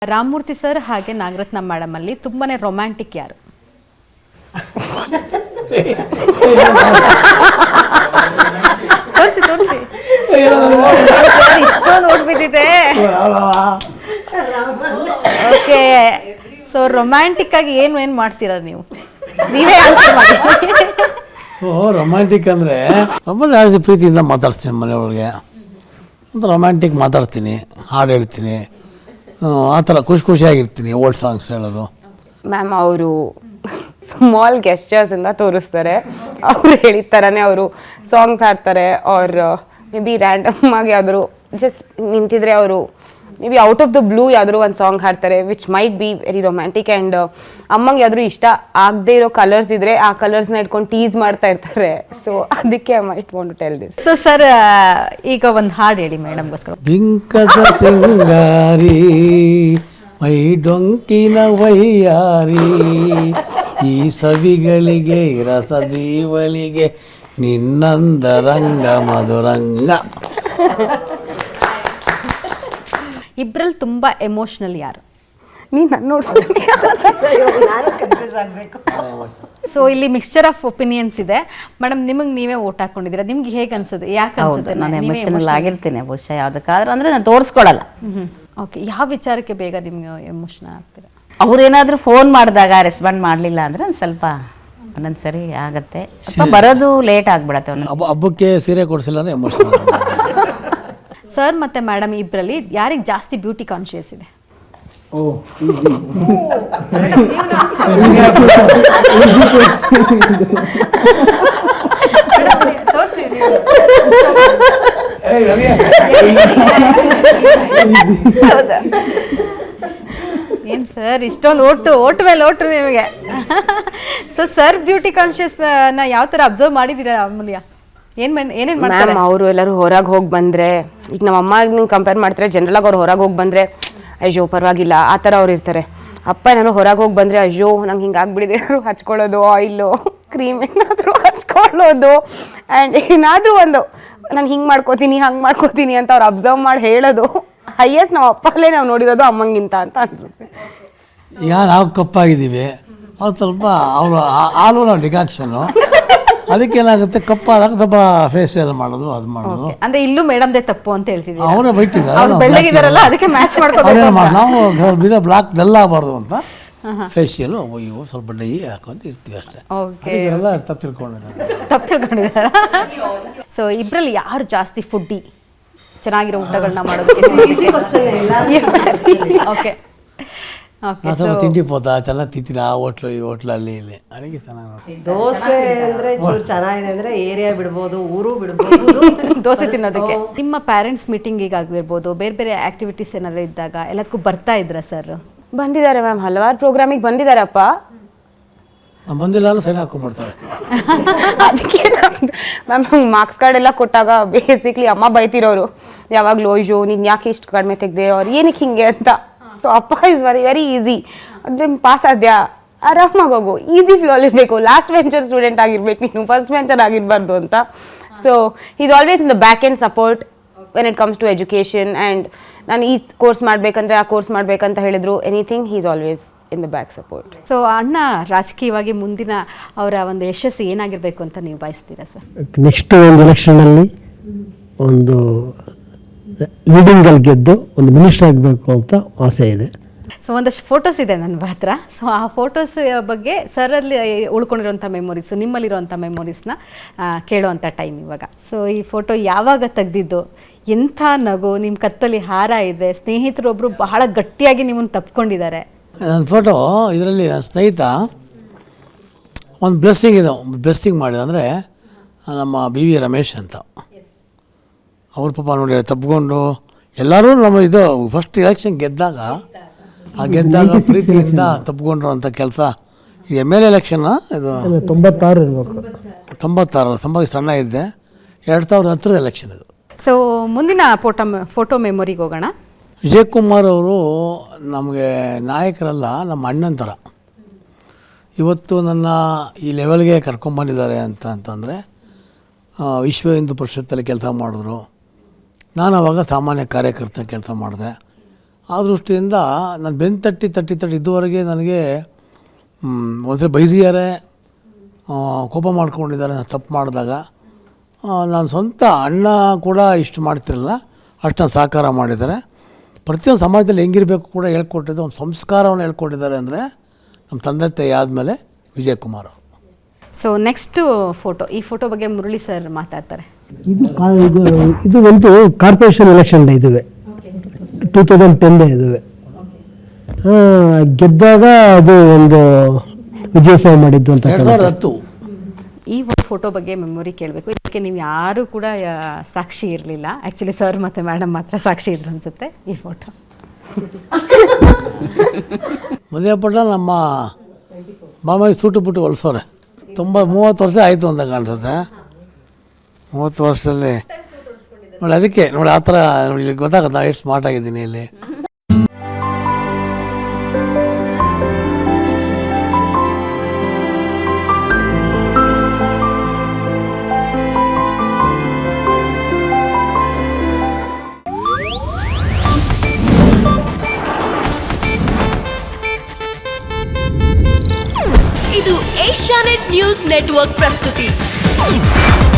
Ramamurthy sir ಹಾಗೆ Nagaratna madam ಅಲ್ಲಿ ತುಂಬಾನೇ ರೊಮ್ಯಾಂಟಿಕ್ ಯಾರು? ತೋರಿಸಿ ತೋರಿಸಿ ಇಷ್ಟೋ ನೋಡ್ಬಿಟ್ಟಿದೆ. ಓಕೆ, ಸೊ ರೊಮ್ಯಾಂಟಿಕ್ ಆಗಿ ಏನು ಮಾಡ್ತೀರಾ ನೀವು? ನೀವೇ ಆನ್ಸರ್ ಮಾಡಿ. ರೊಮ್ಯಾಂಟಿಕ್ ಅಂದರೆ ಜಾಸ್ತಿ ಪ್ರೀತಿಯಿಂದ ಮಾತಾಡ್ತೀನಿ ಮನೆಯೊಳಗೆ, ಒಂದು ರೊಮ್ಯಾಂಟಿಕ್ ಮಾತಾಡ್ತೀನಿ, ಹಾಡು ಹೇಳ್ತೀನಿ, ಆ ಥರ ಖುಷಿಯಾಗಿರ್ತೀನಿ. ಓಲ್ಡ್ ಸಾಂಗ್ಸ್ ಹೇಳೋದು. ಮ್ಯಾಮ್ ಅವರು ಸ್ಮಾಲ್ ಗೆಸ್ಚರ್ಸಿಂದ ತೋರಿಸ್ತಾರೆ. ಅವ್ರು ಹೇಳಿದ ಥರನೇ ಅವರು ಸಾಂಗ್ಸ್ ಹಾಡ್ತಾರೆ. ಅವ್ರು ಮೇ ಬಿ ರ್ಯಾಂಡಮ್ ಆಗಿ ಯಾವ್ದಾದ್ರು ಜಸ್ಟ್ ನಿಂತಿದ್ರೆ ಅವರು maybe out of the blue ಯಾವ್ದಾದ್ರು ಒಂದು ಸಾಂಗ್ ಹಾಡ್ತಾರೆ which might be very romantic. And ಅಮ್ಮಂಗೆ ಯಾವ್ದಾದ್ರು ಇಷ್ಟ ಆಗದೆ ಇರೋ ಕಲರ್ಸ್ ಇದ್ರೆ ಆ ಕಲರ್ಸ್ನ ಇಟ್ಕೊಂಡು ಟೀಸ್ ಮಾಡ್ತಾ ಇರ್ತಾರೆ. ಸೊ ಅದಕ್ಕೆ I might want to tell this. So sir, ಈಗ ಒಂದು ಹಾಡು ಹೇಳಿ ಮೇಡಮ್ಗೋಸ್ಕರ. ಬಿಂಕದ ಸಿಂಗಾರಿ ಮೈ ಡೊಂಕಿನ ವೈಯಾರಿ, ಈ ಸವಿಗಳಿಗೆ ರಸದೀವಳಿಗೆ ನಿನ್ನಂದ ರಂಗ ಮಧುರಂಗ. ಇಬ್ರಲ್ಲಿ ತುಂಬಾ ಎಮೋಷನಲ್ ಯಾರು? ನೀನು ನನ್ನ ನೋಡ್ತೀನಿ. ಸೊ ಇಲ್ಲಿ ಮಿಕ್ಸ್ಚರ್ ಆಫ್ ಒಪಿನಿಯನ್ಸ್ ಇದೆ. ಮೇಡಮ್, ನಿಮಗೆ ನೀವೇ ಓಟ್ ಹಾಕೊಂಡಿದ್ದೀರಾ, ನಿಮ್ಗೆ ಹೇಗೆ ಅನ್ಸುತ್ತೆ? ಯಾಕೆ ಅನ್ಸುತ್ತೆ? ನಾನು ಎಮೋಷನಲ್ ಆಗಿರ್ತೀನಿ ಬಹುಶಃ ಯಾವುದಕ್ಕಾದ್ರೂ, ಅಂದರೆ ನಾನು ತೋರಿಸ್ಕೊಡಲ್ಲ. ಓಕೆ, ಯಾವ ವಿಚಾರಕ್ಕೆ ಬೇಗ ನಿಮ್ಗೆ ಎಮೋಷನಲ್ ಆಗ್ತೀರಾ? ಅವ್ರೇನಾದರೂ ಫೋನ್ ಮಾಡಿದಾಗ ರೆಸ್ಪಾಂಡ್ ಮಾಡಲಿಲ್ಲ ಅಂದರೆ ಒಂದು ಸ್ವಲ್ಪ ಒಂದೊಂದು ಸರಿ ಆಗತ್ತೆ, ಅಥವಾ ಬರೋದು ಲೇಟ್ ಆಗಿಬಿಡತ್ತೆ. ಹಬ್ಬಕ್ಕೆ ಸೀರೆ ಕೊಡಿಸಿಲ್ಲ ಅಂದರೆ ಎಮೋಷನಲ್. ಸರ್ ಮತ್ತೆ ಮೇಡಮ್ ಇಬ್ಬರಲ್ಲಿ ಯಾರಿಗೆ ಜಾಸ್ತಿ ಬ್ಯೂಟಿ ಕಾನ್ಶಿಯಸ್ ಇದೆ? ಏನ್ ಸರ್ ಇಷ್ಟೊಂದು ಓಟು ಮೇಲೆ ಓಟು ನಿಮಗೆ? ಸೊ ಸರ್ ಬ್ಯೂಟಿ ಕಾನ್ಶಿಯಸ್ ನ ಯಾವ ತರ ಅಬ್ಸರ್ವ್ ಮಾಡಿದೀರಾ ಅಮೂಲ್ಯ? ಏನೇನ್ ಮಾಡ್ತಾರೆ ಅವರು? ಎಲ್ಲರೂ ಹೊರಗೆ ಹೋಗಿ ಬಂದರೆ, ಈಗ ನಮ್ಮ ಅಮ್ಮ ಕಂಪೇರ್ ಮಾಡ್ತಾರೆ, ಜನರಲಾಗಿ ಅವ್ರು ಹೊರಗೆ ಹೋಗಿ ಬಂದರೆ ಅಯ್ಯೋ ಪರವಾಗಿಲ್ಲ ಆ ಥರ ಅವ್ರು ಇರ್ತಾರೆ. ಅಪ್ಪ ನಾನು ಹೊರಗೆ ಹೋಗಿ ಬಂದರೆ ಅಯ್ಯೋ ನಂಗೆ ಹಿಂಗೆ ಆಗ್ಬಿಟ್ಟಿದೆ, ಏನಾದ್ರು ಹಚ್ಕೊಳ್ಳೋದು, ಆಯಿಲು ಕ್ರೀಮ್ ಏನಾದರೂ ಹಚ್ಕೊಳ್ಳೋದು, ಆ್ಯಂಡ್ ಏನಾದರೂ ಒಂದು ನಾನು ಹಿಂಗೆ ಮಾಡ್ಕೋತೀನಿ ಹಂಗೆ ಮಾಡ್ಕೋತೀನಿ ಅಂತ ಅವ್ರು ಅಬ್ಸರ್ವ್ ಮಾಡಿ ಹೇಳೋದು. ಹೈಯೆಸ್ಟ್ ನಾವು ಅಪ್ಪಲ್ಲೇ ನಾವು ನೋಡಿರೋದು ಅಮ್ಮಂಗಿಂತ ಅಂತ ಅನಿಸುತ್ತೆ. ಈಗ ನಾವು ಕಪ್ಪಾಗಿದ್ದೀವಿ, ಅವ್ರು ಸ್ವಲ್ಪ ಅವರು ಹಾಲು ನಾವು ಡಿಕಾಕ್ಷನ್ನು, ಅದಕ್ಕೇನಾಗುತ್ತೆ ಕಪ್ಪಾದಾಗ ಸ್ವಲ್ಪ ಫೇಶಿಯಲ್ ಮಾಡೋದು, ಅದು ಮಾಡೋದು. ಅಂದ್ರೆ ಇಲ್ಲೂ ಮೇಡಮ್ದೇ ತಪ್ಪು ಅಂತ ಹೇಳ್ತಿದ್ದೀವಿ. ಅವರೇ ಬೈತಿದ್ದಾರೆ, ಬೆಳ್ಳಗಿದಾರಲ್ಲ ಅದಕ್ಕೆ ಮ್ಯಾಚ್ ಮಾಡ್ಕೋಬೇಕು. ನಾವು ಬಿಡ ಬ್ಲಾಕ್ ಡಲ್ ಆಗಬಾರ್ದು ಅಂತ ಫೇಶಿಯಲ್ ಇವು ಸ್ವಲ್ಪ ಡೈ ಹಾಕೊಂತ ಇರ್ತೀವಿ ಅಷ್ಟೇ. ಇದೆಲ್ಲ ತಪ್ಪು ತಿಳ್ಕೊಂಡಿದ್ದಾರೆ. ಸೊ ಇಬ್ರಲ್ಲಿ ಯಾರು ಜಾಸ್ತಿ ಫುಡ್ಡಿ, ಚೆನ್ನಾಗಿರೋ ಊಟಗಳನ್ನ ಮಾಡೋದಕ್ಕೆ? ಓಕೆ ಸ್ವಲ್ಪ ತಿಂಡಿ ಪೋತಾ ಚೆನ್ನಾಗಿ ತಿಂತೀನಿ, ಆ ಹೋಟ್ಲು ಈ ಹೋಟ್ಲಲ್ಲಿ ಇಲ್ಲಿ ಅದಕ್ಕೆ ಚೆನ್ನಾಗಿ. ದೋಸೆ ಅಂದ್ರೆ ಚೂರು ಚೆನ್ನಾಗಿದೆ ಅಂದ್ರೆ ಏರಿಯಾ ಬಿಡ್ಬೋದು, ಊರು ಬಿಡ್ಬೋದು ದೋಸೆ ತಿನ್ನೋದಕ್ಕೆ. ನಿಮ್ಮ ಪೇರೆಂಟ್ಸ್ ಮೀಟಿಂಗಿಗೆ ಆಗಿರ್ಬೋದು, ಬೇರೆ ಬೇರೆ ಆಕ್ಟಿವಿಟೀಸ್ ಏನಾದ್ರು ಇದ್ದಾಗ ಎಲ್ಲದಕ್ಕೂ ಬರ್ತಾ ಇದ್ರ ಸರ್? ಬಂದಿದ್ದಾರೆ ಮ್ಯಾಮ್, ಹಲವಾರು ಪ್ರೋಗ್ರಾಮಿಗೆ ಬಂದಿದ್ದಾರಪ್ಪ. ಬಂದಿಲ್ಲ ಅಂದ್ರೆ ಸೈನ್ ಹಾಕೊಂಡ್ಬಿಡ್ತಾರೆ. ಅದಕ್ಕೆ ಮ್ಯಾಮ್ ಮಾರ್ಕ್ಸ್ ಕಾರ್ಡ್ ಎಲ್ಲ ಕೊಟ್ಟಾಗ ಬೇಸಿಕ್ಲಿ ಅಮ್ಮ ಬೈತಿರೋರು ಯಾವಾಗಲೂ, ಅಯ್ಯೋ ನೀನು ಯಾಕೆ ಇಷ್ಟು ಕಡಿಮೆ ತೆಗ್ದೆ, ಅವ್ರು ಏನಕ್ಕೆ ಹಿಂಗೆ ಅಂತ. ಸೊ ಅಪ್ಪ ಇಸ್ ವೆರಿ ಈಸಿ, ಅಂದರೆ ಪಾಸ್ ಆದ್ಯಾ ಆರಾಮಾಗಿ ಹೋಗು, ಈಸಿ ಫ್ಲೋಲ್ ಇರಬೇಕು, ಲಾಸ್ಟ್ ವೆಂಚರ್ ಸ್ಟೂಡೆಂಟ್ ಆಗಿರ್ಬೇಕು ನೀನು, ಫಸ್ಟ್ ವೆಂಚರ್ ಆಗಿರಬಾರ್ದು ಅಂತ. So is always in the back and support when it comes to education. And ನಾನು ಈ ಕೋರ್ಸ್ ಮಾಡಬೇಕಂದ್ರೆ ಆ ಕೋರ್ಸ್ ಮಾಡಬೇಕಂತ ಹೇಳಿದ್ರು anything he is always in the back support. So ಅಣ್ಣ ರಾಜಕೀಯವಾಗಿ ಮುಂದಿನ ಅವರ ಒಂದು ಯಶಸ್ಸು ಏನಾಗಿರಬೇಕು ಅಂತ ನೀವು ಬಯಸ್ತೀರಾ ಸರ್? ನೆಕ್ಸ್ಟ್ ಒಂದು ಎಲೆಕ್ಷನಲ್ಲಿ ಒಂದು ಲೀಡಿಂಗಲ್ಲಿ ಗೆದ್ದು ಒಂದು ಮಿನಿಸ್ಟರ್ ಆಗಬೇಕು ಅಂತ ಆಸೆ ಇದೆ. ಸೊ ಒಂದಷ್ಟು ಫೋಟೋಸ್ ಇದೆ ನನ್ನ ಹತ್ರ. ಸೊ ಆ ಫೋಟೋಸ್ ಬಗ್ಗೆ ಸರಲ್ಲಿ ಉಳ್ಕೊಂಡಿರೋಂಥ ಮೆಮೊರೀಸು, ನಿಮ್ಮಲ್ಲಿರೋಂಥ ಮೆಮೊರೀಸ್ನ ಕೇಳೋವಂಥ ಟೈಮ್ ಇವಾಗ. ಸೊ ಈ ಫೋಟೋ ಯಾವಾಗ ತೆಗ್ದಿದ್ದು, ಎಂಥ ನಗು, ನಿಮ್ಮ ಕತ್ತಲ್ಲಿ ಹಾರ ಇದೆ, ಸ್ನೇಹಿತರೊಬ್ಬರು ಬಹಳ ಗಟ್ಟಿಯಾಗಿ ನಿಮ್ಮನ್ನು ತಪ್ಕೊಂಡಿದ್ದಾರೆ. ನನ್ನ ಫೋಟೋ ಇದರಲ್ಲಿ ಸ್ನೇಹಿತ ಒಂದು ಬ್ಲೆಸ್ಸಿಂಗ್ ಇದೆ, ಬ್ಲೆಸ್ಸಿಂಗ್ ಮಾಡಿದೆ ಅಂದರೆ ನಮ್ಮ ಬಿ ವಿ ರಮೇಶ್ ಅಂತ. ಅವ್ರ ಪಾಪ ನೋಡಿ ತಪ್ಪಿಕೊಂಡು ಎಲ್ಲರೂ ನಮ್ಮ ಇದು ಫಸ್ಟ್ ಎಲೆಕ್ಷನ್ ಗೆದ್ದಾಗ ಪ್ರೀತಿಯಿಂದ ತಪ್ಪಿಕೊಂಡ್ರು ಅಂತ ಕೆಲಸ. ಇದು MLA ಎಲೆಕ್ಷನ್ನ, ಇದು 96 ಇರಬೇಕು, 96 ಸಣ್ಣ ಇದ್ದೆ, 2010 ಎಲೆಕ್ಷನ್ ಇದು. ಸೊ ಮುಂದಿನ ಫೋಟೋ ಮೆಮೊರಿಗೆ ಹೋಗೋಣ. ವಿಜಯಕುಮಾರ್ ಅವರು ನಮಗೆ ನಾಯಕರಲ್ಲ, ನಮ್ಮ ಅಣ್ಣನ ಥರ. ಇವತ್ತು ನನ್ನ ಈ ಲೆವೆಲ್ಗೆ ಕರ್ಕೊಂಬಂದಿದ್ದಾರೆ ಅಂತಂದರೆ ವಿಶ್ವ ಹಿಂದೂ ಪರಿಷತ್ತಲ್ಲಿ ಕೆಲಸ ಮಾಡಿದ್ರು. ನಾನು ಆವಾಗ ಸಾಮಾನ್ಯ ಕಾರ್ಯಕರ್ತ ಕೆಲಸ ಮಾಡಿದೆ. ಆ ದೃಷ್ಟಿಯಿಂದ ನಾನು ಬೆನ್ನು ತಟ್ಟಿ ಇದುವರೆಗೆ ನನಗೆ ಒಂದ್ಸರಿ ಬೈದಿದ್ದಾರೆ, ಕೋಪ ಮಾಡ್ಕೊಂಡಿದ್ದಾರೆ ನಾನು ತಪ್ಪು ಮಾಡಿದಾಗ. ನಾನು ಸ್ವಂತ ಅಣ್ಣ ಕೂಡ ಇಷ್ಟು ಮಾಡ್ತಿರಲಿಲ್ಲ, ಅಷ್ಟು ನಾನು ಸಹಕಾರ ಮಾಡಿದ್ದಾರೆ. ಪ್ರತಿಯೊಂದು ಸಮಾಜದಲ್ಲಿ ಹೆಂಗಿರಬೇಕು ಕೂಡ ಹೇಳ್ಕೊಟ್ಟಿದ್ದು, ಒಂದು ಸಂಸ್ಕಾರವನ್ನು ಹೇಳ್ಕೊಟ್ಟಿದ್ದಾರೆ ಅಂದರೆ ನಮ್ಮ ತಂದೆ ತಾಯಿ ಆದಮೇಲೆ ವಿಜಯಕುಮಾರ್ ಅವರು. ಸೊ ನೆಕ್ಸ್ಟು ಫೋಟೋ, ಈ ಫೋಟೋ ಬಗ್ಗೆ ಮುರಳಿ ಸರ್ ಮಾತಾಡ್ತಾರೆ. ಇದು ಒಂದು ಕಾರ್ಪೊರೇಷನ್ ಎಲೆಕ್ಷನ್ ಡೇ ಇದುವೆ, 2010 ಇದುವೆ. ಗೆದ್ದಾಗ ಅದು ಒಂದು ವಿಜಯೋತ್ಸವ ಮಾಡಿದ್ದು ಅಂತ. 2010 ಈ ಒಂದು ಫೋಟೋ ಬಗ್ಗೆ ಮೆಮೊರಿ ಕೇಳಬೇಕು. ಇದಕ್ಕೆ ನೀವು ಯಾರೂ ಕೂಡ ಸಾಕ್ಷಿ ಇರಲಿಲ್ಲ. ಆ್ಯಕ್ಚುಲಿ ಸರ್ ಮತ್ತು ಮೇಡಮ್ ಮಾತ್ರ ಸಾಕ್ಷಿ ಇದ್ರು ಅನಿಸುತ್ತೆ ಈ ಫೋಟೋ. ಮದುವೆ ಪಟ್ಟ ನಮ್ಮ ಮಾಮಾಯಿ ಸೂಟು ಪುಟ್ಟು ಹೊಲ್ಸೋರೆ. 30 ವರ್ಷ ಆಯಿತು ಅಂತ ಕಾಣಿಸುತ್ತೆ. 30 ವರ್ಷದಲ್ಲಿ ನೋಡಿ, ಅದಕ್ಕೆ ನೋಡಿ ಆ ಥರ ನೋಡಿ, ಇಲ್ಲಿ ಗೊತ್ತಾಗುತ್ತೆ ನಾನು ಎಷ್ಟು ಸ್ಮಾರ್ಟ್ ಆಗಿದ್ದೀನಿ ಇಲ್ಲಿ. ಇದು ಏಷ್ಯಾನೆಟ್ ನ್ಯೂಸ್ ನೆಟ್ವರ್ಕ್ ಪ್ರಸ್ತುತಿ.